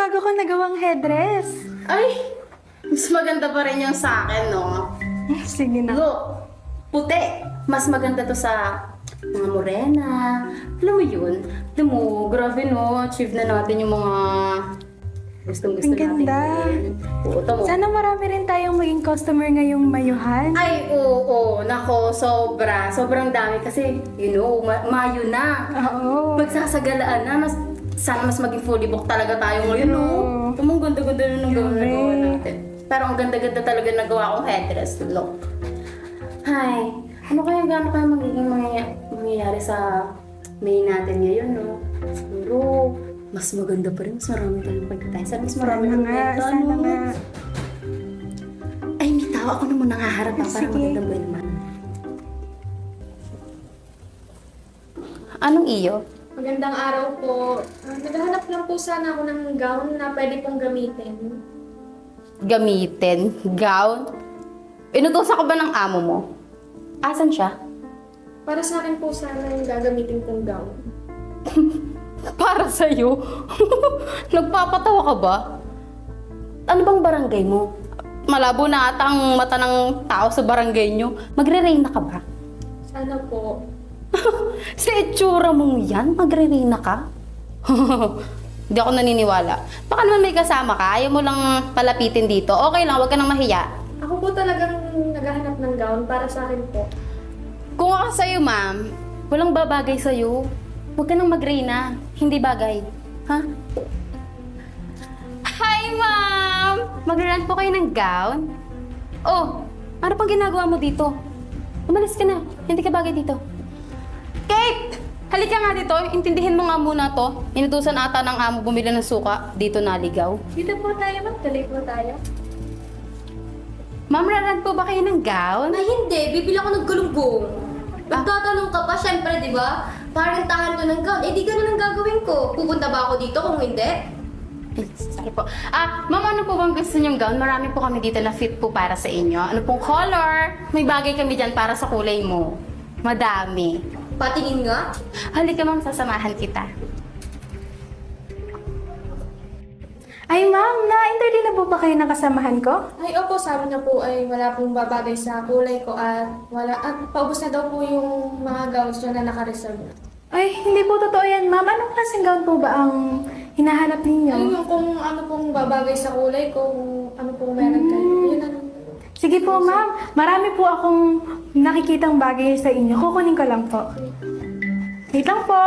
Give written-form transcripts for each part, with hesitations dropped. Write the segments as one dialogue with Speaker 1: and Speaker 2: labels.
Speaker 1: bago ko nagawang headdress.
Speaker 2: Ay, mas maganda pa rin yung sa akin, no?
Speaker 1: Sige na.
Speaker 2: Look, puti. Mas maganda to sa mga morena. Alam mo yun? Alam mo, grabe no, achieve na natin yung mga gustong-gusto
Speaker 1: Ang
Speaker 2: natin.
Speaker 1: ganda.
Speaker 2: Oo, tamo.
Speaker 1: Sana marami rin tayong maging customer ngayong mayuhan.
Speaker 2: Ay, oo, nako, sobra. Sobrang dami kasi, you know, Mayo na.
Speaker 1: Oo.
Speaker 2: Magsasagalaan na, sana mas maging fully booked talaga tayo ngayon, no? Ang ganda-ganda na nung nagawa natin. Pero ang ganda-ganda talaga nagawa kong headdress. Look. Hi. Ano kaya magiging mangyayari sa May natin ngayon, no? Siguro, mas maganda pa rin. Mas marami tayong pagkatay. Sana mas marami
Speaker 1: Sana nga, sana nga.
Speaker 2: Ay, may tao. Ako na muna haharap pa para
Speaker 1: Sige.
Speaker 2: magandang buhay naman. Anong iyo?
Speaker 3: Magandang araw po. Naghahanap lang po sana ako ng gown na pwede pong gamitin.
Speaker 2: Gamitin? Gown? Inutusan ka ba ng amo mo? Asan siya?
Speaker 3: Para sa akin po sana yung gagamitin kong gown.
Speaker 2: Para sa'yo? Nagpapatawa ka ba? Ano bang barangay mo? Malabo na ata ang mata ng tao sa barangay nyo. Magre-reyna ka ba?
Speaker 3: Sana po.
Speaker 2: Sa itsura mong yan, magre-reyna ka? Hindi ako naniniwala. Baka naman may kasama ka, ayaw mo lang palapitin dito. Okay lang, huwag ka nang mahiya.
Speaker 3: Ako po talagang naghahanap ng gown para sa akin po.
Speaker 2: Kung ako sa'yo, ma'am, walang babagay sa'yo. Huwag ka nang mag-reyna. Hindi bagay. Ha? Hi, ma'am! Mag-rent po kayo ng gown? Oh, ano pang ginagawa mo dito? Umalis ka na. Hindi ka bagay dito. Kate! Halika nga dito. Intindihin mo nga muna to. Inutusan ata ng amo bumili ng suka. Dito naligaw.
Speaker 3: Dito po tayo, tuloy po tayo.
Speaker 2: Ma'am, rarent po ba kayo ng gown?
Speaker 4: Ay, hindi. Bibili ako ng galunggong. Magtatanong ka pa, syempre, di ba? Parintahan ko ng gown. Eh, di ganun ang gagawin ko. Pupunta ba ako dito kung hindi?
Speaker 2: Sorry po. Ma'am, ano po bang gusto niyong gown? Marami po kami dito na fit po para sa inyo. Ano pong color? May bagay kami dyan para sa kulay mo. Madami.
Speaker 4: Patingin nga.
Speaker 2: Halika ma'am, sasamahan kita.
Speaker 1: Ay ma'am, na-interview na po ba kayo ng kasamahan ko?
Speaker 3: Ay, opo, sabi na po ay wala pong babagay sa kulay ko at paubos na daw po yung mga gowns dyan na naka-reserve na.
Speaker 1: Ay, hindi po totoo yan ma'am. Anong klaseng gown po ba ang hinahanap ninyo?
Speaker 3: Ayun yung kung ano pong babagay sa kulay ko, kung ano pong meron kayo. Yun ang...
Speaker 1: Sige po ma'am, marami po akong nakikitang bagay sa inyo. Kukunin ko lang po. Wait lang po.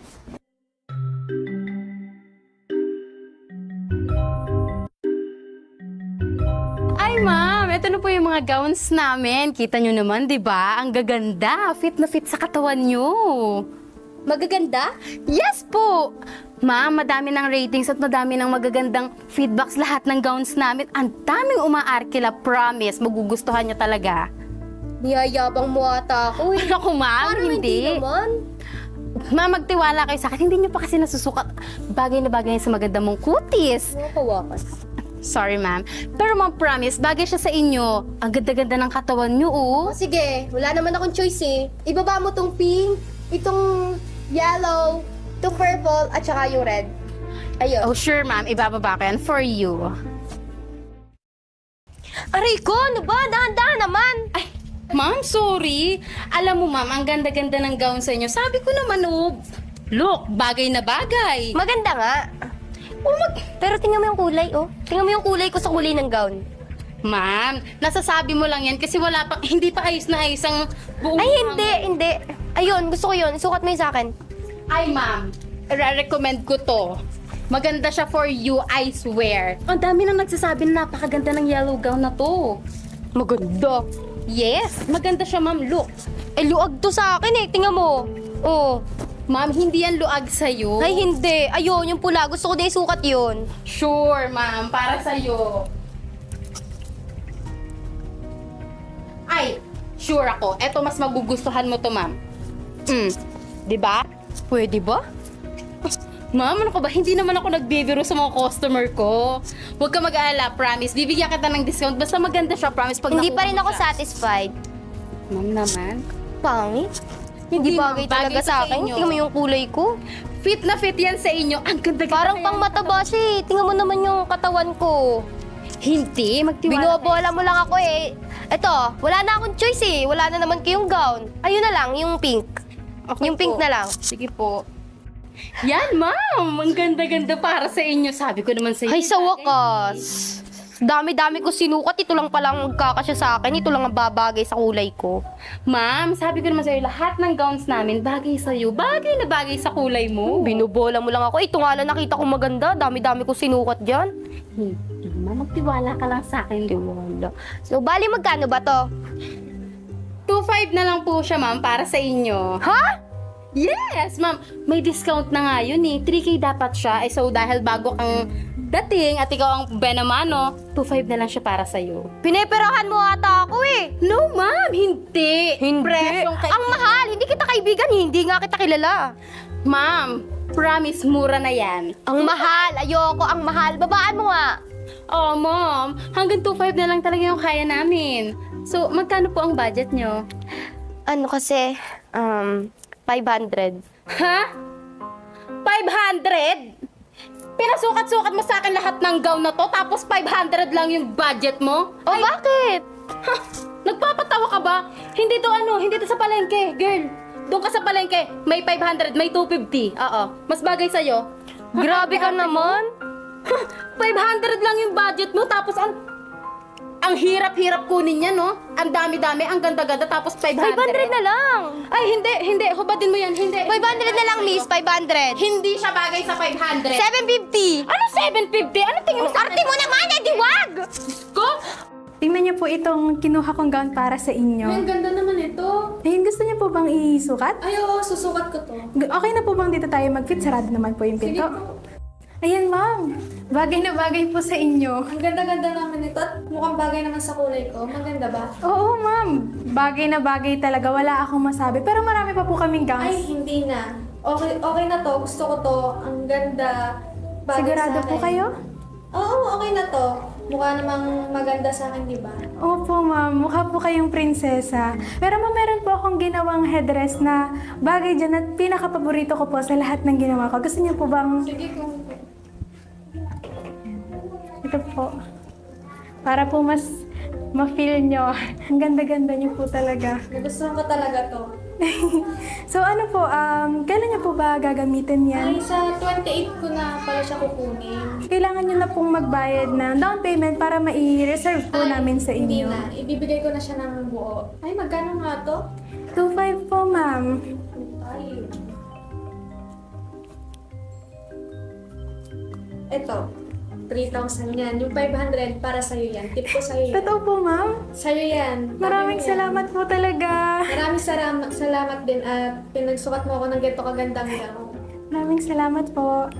Speaker 2: Ay ma'am, ito na po yung mga gowns namin. Kita nyo naman, di ba? Ang gaganda. Fit na fit sa katawan nyo.
Speaker 4: Magaganda?
Speaker 2: Yes po! Ma'am, madami ng ratings at madami ng magagandang feedbacks lahat ng gowns namin. Ang daming umaarkila, promise. Magugustuhan niya talaga.
Speaker 4: Niyayabang mo ata ako eh.
Speaker 2: Ako ma'am,
Speaker 4: Parang
Speaker 2: hindi.
Speaker 4: naman.
Speaker 2: Ma'am, magtiwala kayo sa akin. Hindi niyo pa kasi nasusukat. Bagay na bagay sa maganda mong kutis.
Speaker 4: Nakakawakas.
Speaker 2: Sorry ma'am. Pero ma'am, promise, bagay siya sa inyo. Ang ganda-ganda ng katawan niyo, oh.
Speaker 4: O sige, wala naman akong choice eh. Ibaba mo tong pink, itong yellow, itong purple, at saka yung red. Ayun.
Speaker 2: Oh, sure ma'am. Ibababa ko yan for you.
Speaker 4: Aray ko, ano ba? Dahan-dahan naman.
Speaker 2: Ay, ma'am, sorry. Alam mo ma'am, ang ganda-ganda ng gown sa inyo. Sabi ko naman, oh, look, bagay na bagay.
Speaker 4: Maganda nga. Pero tingnan mo yung kulay, oh. Tingnan mo yung kulay ko sa kulay ng gown.
Speaker 2: Ma'am, nasasabi mo lang yan kasi wala pa, hindi pa ayos na ayos ang buong...
Speaker 4: Ay, hindi. Ayun, gusto ko yun. Isukat mo yun sa akin.
Speaker 2: Ay, ma'am, re-recommend ko to. Maganda siya for you, I swear. Ang dami nang nagsasabi na napakaganda ng yellow gown na to.
Speaker 4: Maganda.
Speaker 2: Yes, maganda siya, ma'am. Look.
Speaker 4: Eh, luag to sa akin eh. Tingnan mo. Oh.
Speaker 2: Ma'am, hindi yan luag sa'yo.
Speaker 4: Ay, hindi. Ayun, yung pula. Gusto ko din isukat yun.
Speaker 2: Sure, ma'am. Para sa'yo. Ay, sure ako. Eto, mas magugustuhan mo to, ma'am. Di ba?
Speaker 4: Pwede ba?
Speaker 2: Ma'am, ano ka ba? Hindi naman ako nagbibiro sa mga customer ko. Huwag ka mag-aalala, promise. Bibigyan kita ng discount. Basta maganda siya, promise. Pag
Speaker 4: Hindi pa
Speaker 2: nakuha
Speaker 4: rin
Speaker 2: mo
Speaker 4: ako
Speaker 2: siya.
Speaker 4: satisfied.
Speaker 2: Ma'am naman.
Speaker 4: Pangit. Hindi
Speaker 2: Hindi,
Speaker 4: bagay
Speaker 2: ma'am. Bagay
Speaker 4: talaga
Speaker 2: sa
Speaker 4: sa akin.
Speaker 2: inyo.
Speaker 4: Tingnan mo yung kulay ko.
Speaker 2: Fit na fit yan sa inyo. Ang ganda-ganda.
Speaker 4: Parang
Speaker 2: kaya-
Speaker 4: pang mataba siya eh. Tingnan mo naman yung katawan ko.
Speaker 2: Hindi, magtiwala.
Speaker 4: Binobola mo lang ako eh. Eto, wala na akong choice eh. Wala na naman kayong gown. Ayun na lang, yung pink.
Speaker 2: Okay
Speaker 4: Yung pink
Speaker 2: po.
Speaker 4: na lang.
Speaker 2: Sige po. Yan, ma'am. Ang ganda-ganda para sa inyo. Sabi ko naman sa inyo.
Speaker 4: Ay, sa
Speaker 2: bagay.
Speaker 4: wakas. Dami-dami ko sinukat. Ito lang palang magkakasya sa akin. Ito lang ang babagay sa kulay ko.
Speaker 2: Ma'am, sabi ko naman sa'yo, lahat ng gowns namin bagay sa'yo. Bagay na bagay sa kulay mo.
Speaker 4: Binubola mo lang ako. Ito nga lang nakita ko maganda. Dami-dami ko sinukat dyan.
Speaker 2: Hindi, ma'am. Magtiwala ka lang sa akin.
Speaker 4: Wala. So, bali magkano ba to?
Speaker 2: 2.5 na lang po siya, ma'am, para sa inyo.
Speaker 4: Ha?
Speaker 2: Yes, ma'am. May discount na nga yun eh. 3K dapat siya. Eh, so, dahil bago kang dating at ikaw ang benamano, 2.5 na lang siya para sa'yo.
Speaker 4: Pineperahan mo ata ako eh.
Speaker 2: No, ma'am. Hindi. Presyong
Speaker 4: Ang mahal. Hindi kita kaibigan. Hindi nga kita kilala.
Speaker 2: Ma'am, promise, mura na yan.
Speaker 4: Ang mahal. Ayoko. Ang mahal. Babaan mo nga.
Speaker 2: Oh, ma'am. Hanggang 2.5 na lang talaga yung kaya namin. So, magkano po ang budget nyo?
Speaker 4: Ano kasi, 500.
Speaker 2: Ha? 500? Pinasukat-sukat mo sa akin lahat ng gown na to, tapos 500 lang yung budget mo?
Speaker 4: O bakit?
Speaker 2: Ha? Nagpapatawa ka ba? Hindi to sa palengke, girl. Doon ka sa palengke, may 500, may 250. Oo, mas bagay sa'yo.
Speaker 4: Grabe ka naman.
Speaker 2: 500 lang yung budget mo, tapos ang hirap-hirap kunin niya, no? Ang dami-dami, ang ganda-ganda, tapos 500.
Speaker 4: 500 na lang.
Speaker 2: Ay, hindi. Hubadin mo yan, hindi.
Speaker 4: 500 na lang, miss. 500.
Speaker 2: Hindi siya bagay sa 500.
Speaker 4: 750.
Speaker 2: Ano 750? Ano tingin mo sa
Speaker 4: Arte mo naman, diwag!
Speaker 2: ko?
Speaker 1: Tingnan niyo po itong kinuha kong gown para sa
Speaker 3: Ay,
Speaker 1: inyo.
Speaker 3: ang ganda naman ito.
Speaker 1: Ayun, gusto niyo po bang isukat?
Speaker 3: Ay, oo, susukat ko to.
Speaker 1: Okay na po bang dito tayo mag-fit? Sarado naman po yung
Speaker 3: Sige
Speaker 1: pinto.
Speaker 3: po.
Speaker 1: Ayan, ma'am. Bagay na bagay po sa inyo.
Speaker 3: Ang ganda-ganda naman ito at mukhang bagay naman sa kulay ko. Maganda ba?
Speaker 1: Oo, ma'am. Bagay na bagay talaga. Wala akong masabi. Pero marami pa po kaming
Speaker 3: Ay,
Speaker 1: gowns.
Speaker 3: hindi na. Okay na to. Gusto ko to. Ang ganda. Bagay
Speaker 1: Sigurado
Speaker 3: sa
Speaker 1: po
Speaker 3: akin.
Speaker 1: kayo?
Speaker 3: Oo, okay na to. Mukha namang maganda sa akin, di ba?
Speaker 1: Opo, ma'am. Mukha po kayong prinsesa. Pero ma'am, meron po akong ginawang headdress na bagay dyan at pinaka-paborito ko po sa lahat ng ginawa ko. Gusto niyo po bang...
Speaker 3: Sige kung...
Speaker 1: Ito po. Para po mas ma-feel nyo. Ang ganda-ganda nyo po talaga.
Speaker 3: Nagustuhan ko talaga to.
Speaker 1: So ano po, kailan nyo po ba gagamitin yan?
Speaker 3: Ay, sa 28 ko na pala siya kukunin.
Speaker 1: Kailangan nyo na pong magbayad ng down payment para mai-reserve po
Speaker 3: Ay,
Speaker 1: namin sa
Speaker 3: Hindi
Speaker 1: inyo.
Speaker 3: na. Ibibigay ko na siya ng buo. Ay, magkano nga to?
Speaker 1: 2.5 po, ma'am.
Speaker 3: Ay. Ito. 3,000 yan. Yung 500 para sa'yo yan. Tip ko sa'yo yan.
Speaker 1: Totoo po, ma'am.
Speaker 3: Sa'yo yan.
Speaker 1: Maraming
Speaker 3: Sabi mo yan.
Speaker 1: salamat po talaga.
Speaker 3: Maraming salamat din at pinagsukat mo ako ng ganito kagandang gown.
Speaker 1: Maraming salamat po.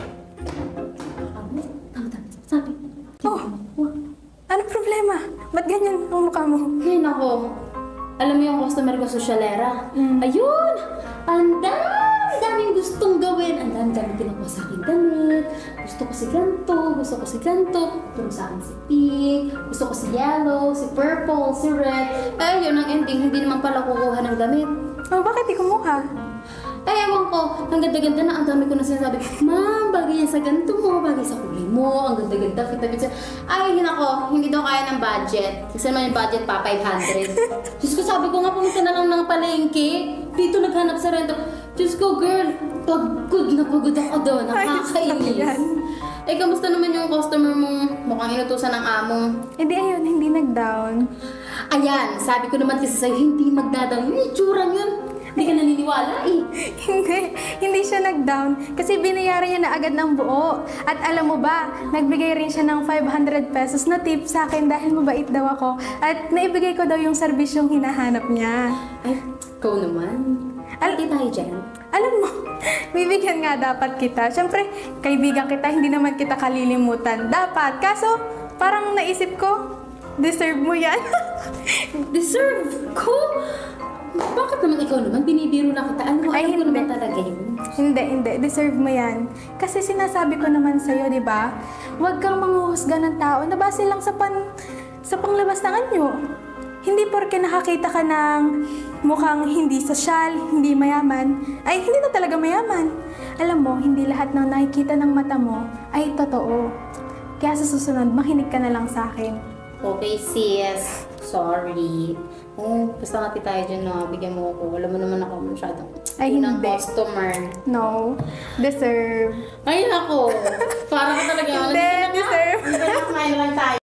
Speaker 1: Oh, anong problema? Ba't ganyan ang mukha mo?
Speaker 2: Ay, nako. Alam mo yung customer ko, sosyalera. Ayun! Ang daming gustong gawin. Ang daming kinukuha sa akin damit. Gusto ko si ganito, gusto ko si ganito. Turo sa akin si pink, gusto ko si yellow, si purple, si red. Eh, yun ang ending. Hindi naman pala kukuha ng damit.
Speaker 1: Oh, bakit di kumuha?
Speaker 2: Ay, ewan ko. Ang ganda-ganda na. Ang dami ko na sinasabi, Ma'am, bagay yan sa ganito mo, bagay sa kulay mo. Ang ganda-ganda. Kita-kita. Ay, yun ako. Hindi daw kaya ng budget. Kasi naman yung budget pa, 500. Diyos ko, sabi ko nga, pumunta na lang ng palengke. Dito naghanap sa rento. Diyos ko, girl, pagod na pagod ako doon. Nakakainis.
Speaker 1: Yan.
Speaker 2: Eh, kamusta naman yung customer mong mukhang inutusan ng amo?
Speaker 1: Hindi, ayun, hindi nag-down.
Speaker 2: Ayan, sabi ko naman kasi sa'yo, hindi magdadaw. Yung itsurang yun. Hindi ka naniniwala eh.
Speaker 1: Hindi siya nag-down kasi binayaran niya na agad ng buo. At alam mo ba, nagbigay rin siya ng 500 pesos na tip sa akin dahil mabait daw ako. At naibigay ko daw yung serbisyong hinahanap niya.
Speaker 2: Ay, ikaw naman. Alti tayo dyan.
Speaker 1: Alam mo, bibigyan nga dapat kita. Siyempre, kaibigan kita, hindi naman kita kalilimutan. Dapat. Kaso, parang naisip ko, deserve mo yan.
Speaker 2: Deserve ko? Bakit naman ikaw naman? Binibiro lang kita. Ano,
Speaker 1: Ay,
Speaker 2: alam ko
Speaker 1: hindi.
Speaker 2: naman talaga yun.
Speaker 1: Hindi. Deserve mo yan. Kasi sinasabi ko naman sa'yo, di ba? Huwag kang manghuhusga ng tao na base lang sa panglabas ng anyo. Hindi porke nakakita ka ng mukhang hindi sosyal, hindi mayaman, ay hindi na talaga mayaman. alam mo, hindi lahat ng nakikita ng mata mo ay totoo. Kaya sa susunod, makinig ka na lang sa akin.
Speaker 2: Okay, sis. Sorry. Basta nga tayo dyan na bigyan mo ako. Alam mo naman ako masyadong
Speaker 1: Ay,
Speaker 2: unang
Speaker 1: hindi.
Speaker 2: customer.
Speaker 1: No, deserve.
Speaker 2: Ay, nako. Parang ka talaga.
Speaker 1: Hindi, deserve.
Speaker 2: Hindi ba kumain lang tayo?